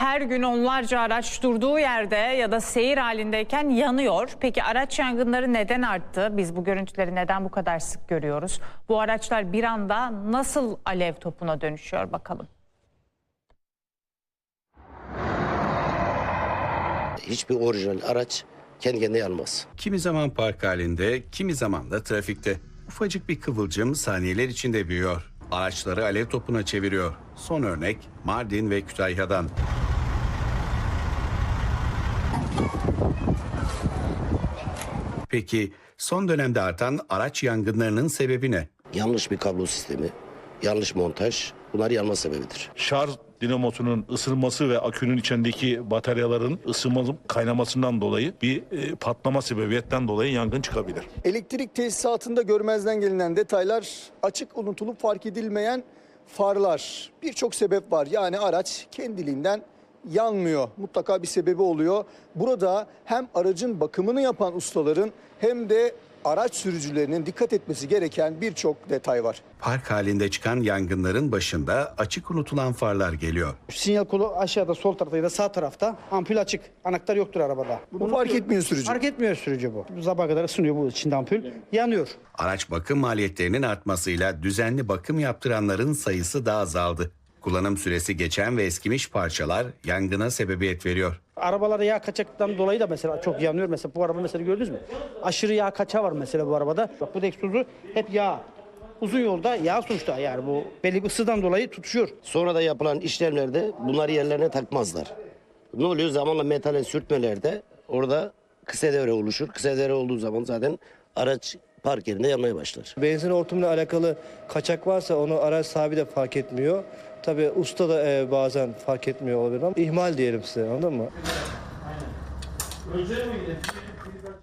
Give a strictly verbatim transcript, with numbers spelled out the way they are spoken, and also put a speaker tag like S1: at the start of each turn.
S1: Her gün onlarca araç durduğu yerde ya da seyir halindeyken yanıyor. Peki araç yangınları neden arttı? Biz bu görüntüleri neden bu kadar sık görüyoruz? Bu araçlar bir anda nasıl alev topuna dönüşüyor bakalım.
S2: Hiçbir orijinal araç kendi kendine yanmaz.
S3: Kimi zaman park halinde, kimi zaman da trafikte. Ufacık bir kıvılcım saniyeler içinde büyüyor. Araçları alev topuna çeviriyor. Son örnek Mardin ve Kütahya'dan. Peki son dönemde artan araç yangınlarının sebebi ne?
S2: Yanlış bir kablo sistemi, yanlış montaj bunlar yanma sebebidir.
S4: Şarj dinamosunun ısınması ve akünün içindeki bataryaların ısınması kaynamasından dolayı bir e, patlama sebebiyetten dolayı yangın çıkabilir.
S5: Elektrik tesisatında görmezden gelinen detaylar, açık unutulup fark edilmeyen farlar. Birçok sebep var. Yani araç kendiliğinden yanmıyor. Mutlaka bir sebebi oluyor. Burada hem aracın bakımını yapan ustaların hem de araç sürücülerinin dikkat etmesi gereken birçok detay var.
S3: Park halinde çıkan yangınların başında açık unutulan farlar geliyor.
S6: Sinyal kolu aşağıda sol tarafta ya da sağ tarafta, ampul açık. Anahtar yoktur arabada.
S5: Bunu fark etmiyor sürücü.
S6: Fark etmiyor sürücü bu. Bu sabaha kadar ısınıyor bu içinde ampul. Yanıyor.
S3: Araç bakım maliyetlerinin artmasıyla düzenli bakım yaptıranların sayısı da azaldı. Kullanım süresi geçen ve eskimiş parçalar yangına sebebiyet veriyor.
S6: Arabalarda yağ kaçaktan dolayı da mesela çok yanıyor. Mesela bu araba mesela gördünüz mü? Aşırı yağ kaçağı var mesela bu arabada. Bak bu da egzozu hep yağ. Uzun yolda yağ sonuçta, yani bu belli bir ısıdan dolayı tutuşuyor.
S2: Sonra da yapılan işlemlerde bunları yerlerine takmazlar. Ne oluyor? Zamanla metale sürtmelerde orada kısa devre oluşur. Kısa devre olduğu zaman zaten araç park yerinde yanmaya başlar.
S7: Benzin hortumuyla alakalı kaçak varsa onu araç sahibi de fark etmiyor. Tabii usta da e, bazen fark etmiyor olabilir ama ihmal diyelim size, anladın mı?